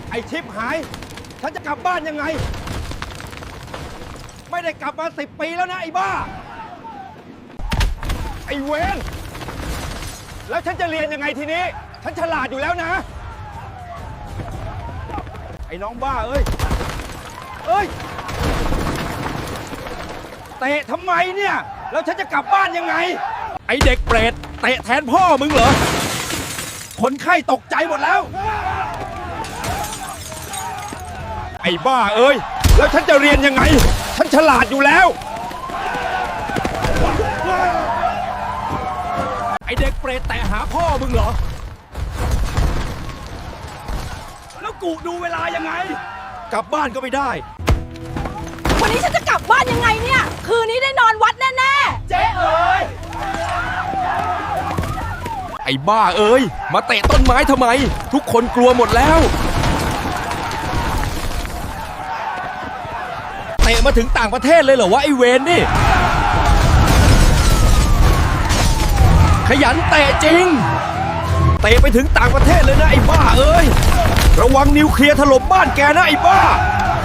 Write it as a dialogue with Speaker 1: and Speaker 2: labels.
Speaker 1: ไอ้ชิปหายฉันจะกลับบ้านยังไงไม่ได้กลับมา10 ปีแล้วนะไอ้บ้าไอ้เวนแล้วฉันจะเรียนยังไงทีนี้ฉันฉลาดอยู่แล้วนะไอ้น้องบ้าเอ้ยเตะทำไมเนี่ยแล้วฉันจะกลับบ้านยังไงไอ้เด็กเปรตเตะแทนพ่อมึงเหรอคนไข้ตกใจหมดแล้วไอ้บ้าเอ้ยแล้วฉันจะเรียนยังไงฉันฉลาดอยู่แล้วไอ้เด็กเปรตแตะหาพ่อมึงเหรอแล้วกูดูเวลายังไงกลับบ้านก็ไม่ได้
Speaker 2: วันนี้ฉันจะกลับบ้านยังไงเนี่ยคืนนี้ได้นอนวัดแน่ๆ
Speaker 1: เจ๊เอ้ยไอ้บ้าเอ้ยมาเตะต้นไม้ทำไมทุกคนกลัวหมดแล้วเตะมาถึงต่างประเทศเลยเหรอวะไอ้เวนนี่ขยันเตะจริงเตะไปถึงต่างประเทศเลยนะไอ้บ้าเอ้ยระวังนิวเคลียร์ถล่มบ้านแกนะไอ้บ้า